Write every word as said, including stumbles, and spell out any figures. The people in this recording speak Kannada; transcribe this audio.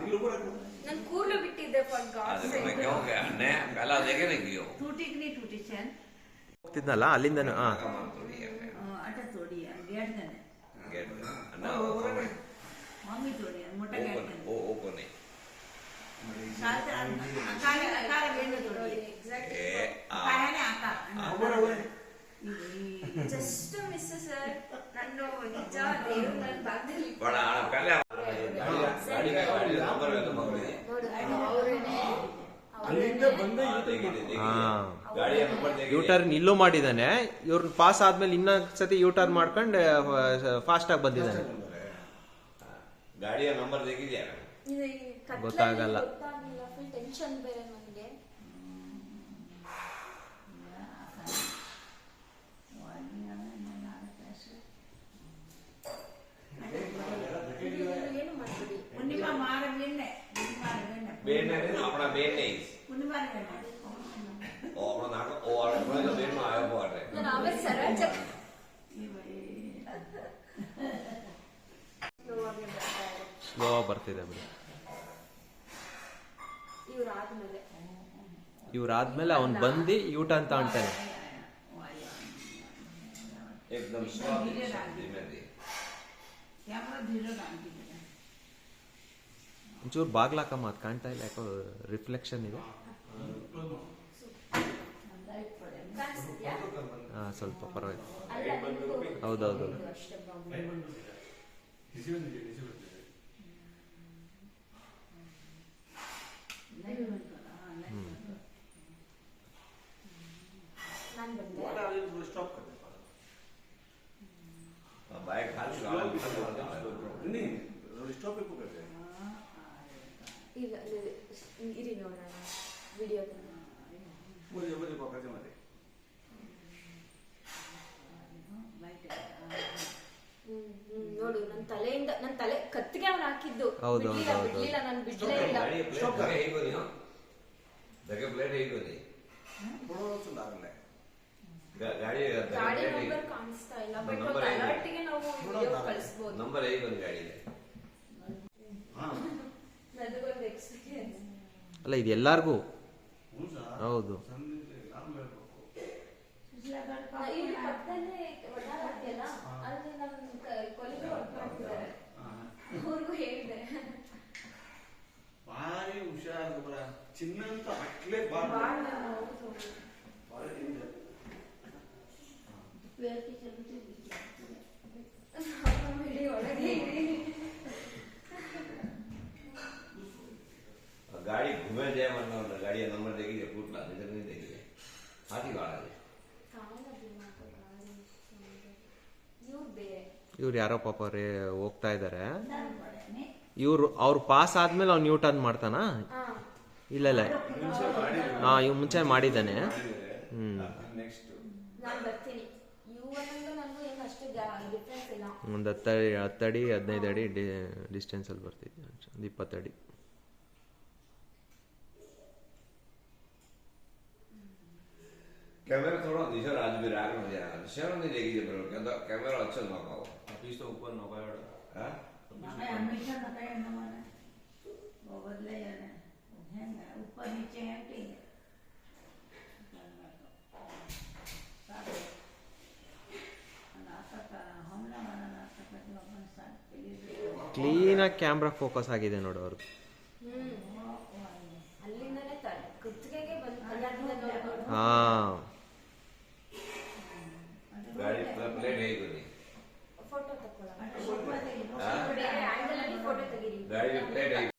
ನಾನು ಕೂರ್ಲು ಬಿಟ್ಟಿದ್ದೆ ಫಾರ್ ಗಾಡ್ ಸೇಕ್ ಹೋಗ್ತಿದ್ನಲ್ಲ ಅಲ್ಲಿಂದನು ಹಾ ಜಸ್ಟ್ ಮಿಸ್ ಸರ್ ನನ್ನ ನಿಜ ದೇವ್ರು ನನ್ನ ಭಾಗದಲ್ಲಿ ಯೂಟರ್ನ್ ಇಲ್ಲೂ ಮಾಡಿದಾನೆ. ಇವ್ರನ್ನ ಪಾಸ್ ಆದ್ಮೇಲೆ ಇನ್ನೊಂದ್ ಸತಿ ಯೂಟರ್ನ್ ಮಾಡ್ಕೊಂಡು ಫಾಸ್ಟ್ ಆಗಿ ಬಂದಿದ್ದಾನೆ. ಗಾಡಿಯ ನಂಬರ್ ತೆಗಿದ್ಯಾ ಗೊತ್ತಾಗಲ್ಲ. ಟೆನ್ಷನ್ ಬೇರೆ ನನಗೆ. ಏನು ಮಾಡ್ಬಿಡಿ बेन है ना अपना बेन नहीं ओ अपना नाक ओ अपना जो बेन में आया हुआ है ನಾನು ಅವೇ ಸರಾಜ ಸ್ಲೋ ಬರ್ತಿದೆ ಬಿಡಿ. ಇವ್ರಾದ್ಮೇಲೆ ಇವ್ರಾದ್ಮೇಲೆ ಅವ್ನು ಬಂದು ಯೂಟ ಅಂತ ಅಂತಾನೆ. एकदम ಒಂಚೂರು ಬಾಗ್ಲಾಕಮ್ಮ, ಅದು ಕಾಣ್ತಾ ಇಲ್ಲ ಯಾಕೋ ರಿಫ್ಲೆಕ್ಷನ್ ಇದೆ. ಹಾ ಸ್ವಲ್ಪ ಪರವಾಗಿಲ್ಲ. ಹೌದೌದು बाइक खाली नहीं स्टॉप पे करते हैं ಇಲ್ಲ ಇರಿ ನೋಡೋಣ ವಿಡಿಯೋ बोलिए बोलिए पकड़ते मत ನೋಡು ನನ್ನ ತಲೆಯಿಂದ ನನ್ನ ತಲೆ ಕತ್ತಿಗೆ ಅವನು ಹಾಕಿದ್ದು ಹೌದು ಬಿಡ್ಲಿಲ್ಲ ನಾನು ಬಿಡ್ಲೇ ಇಲ್ಲ. स्टॉप कर यही को नहीं जगह प्लेट यही को नहीं थोड़ा सा लागल है ಗಾಡಿ ಗಾಡಿ ನಂಬರ್ ಕಾಣಿಸ್ತಾ ಇಲ್ಲ ಬಟ್ ಒಂದು ಅಲರ್ಟ್ ಗೆ ನಾವು ವಿಡಿಯೋ ಕಳಿಸಬಹುದು. ನಂಬರ್ ಹೇಗೆ ಒಂದು ಗಾಡಿ ಇದೆ. ಹಾ ನನಗೊಂದು ಎಕ್ಸ್ಪೀರಿಯನ್ಸ್ ಅಲ್ಲ ಇದು ಎಲ್ಲಾರ್ಗೂ ಹೌದು. ಇಲ್ಲಿ ಪಕ್ಕದಲ್ಲೇ ಒಡಾಡ್ತಿಯಲ್ಲ ಅಲ್ಲಿ ನಮ್ಮ ಕೊಲಿಗೆ ವರ್ಕ್ ಮಾಡ್ತಿದ್ದಾರೆ. ಅವ್ರಿಗೂ ಹೇಳಿದೆ ಭಾರಿ ಹುಷಾರು ಬರ ಚಿನ್ನ ಅಂತ ಅಟ್ಲೇ ಬಾಳ गाड़ी घूमे जाए वरना गाड़ी नंबर देखिए फूटला नजर नहीं देखिए हाथी गाड़ा है ಇವ್ರು ಯಾರೋ ಪಾಪ ರೇ ಹೋಗ್ತಾ ಇದಾರೆ. ಇವ್ರು ಅವ್ರು ಪಾಸ್ ಆದ್ಮೇಲೆ ಅವ್ನು ನ್ಯೂ ಟರ್ನ್ ಮಾಡ್ತಾನ. ಇಲ್ಲ ಇಲ್ಲ ಹಾ ಇವ್ ಮುಂಚೆ ಮಾಡಿದ್ದಾನೆ. ಹ್ಮ್ ಒಂದು ಹತ್ತಡಿ ಹತ್ತಡಿ ಹದಿನೈದು ಅಡಿ ಡಿಸ್ಟೆನ್ಸ್ ಅಲ್ಲಿ ಬರ್ತಿದ್ದೆ, ಒಂದು ಇಪ್ಪತ್ತಡಿ. कैमरा थोड़ा नीचे आज भी राग में जा रहा है शेयर नहीं देखिए ब्रो क्या कैमरा अच्छा ना पाओ अभी तो ऊपर ना पाओ हां मैं हमेशा ना कहे ना माने वो बदले जाने है ऊपर नीचे है कि ಕ್ಲೀನ್ ಆಗಿ ಕ್ಯಾಮ್ರಾ ಫೋಕಸ್ ಆಗಿದೆ ನೋಡು ಅವ್ರಿಗೆ. ಹಾ गाड़ी प्लेट है ही नहीं ಫೋಟೋ ತಕೊಳ್ಳೋಣ. ಬೇರೆ ಆಂಗಲ್ ಅಲ್ಲಿ ಫೋಟೋ ತೆಗೀರಿ. गाड़ी प्लेट है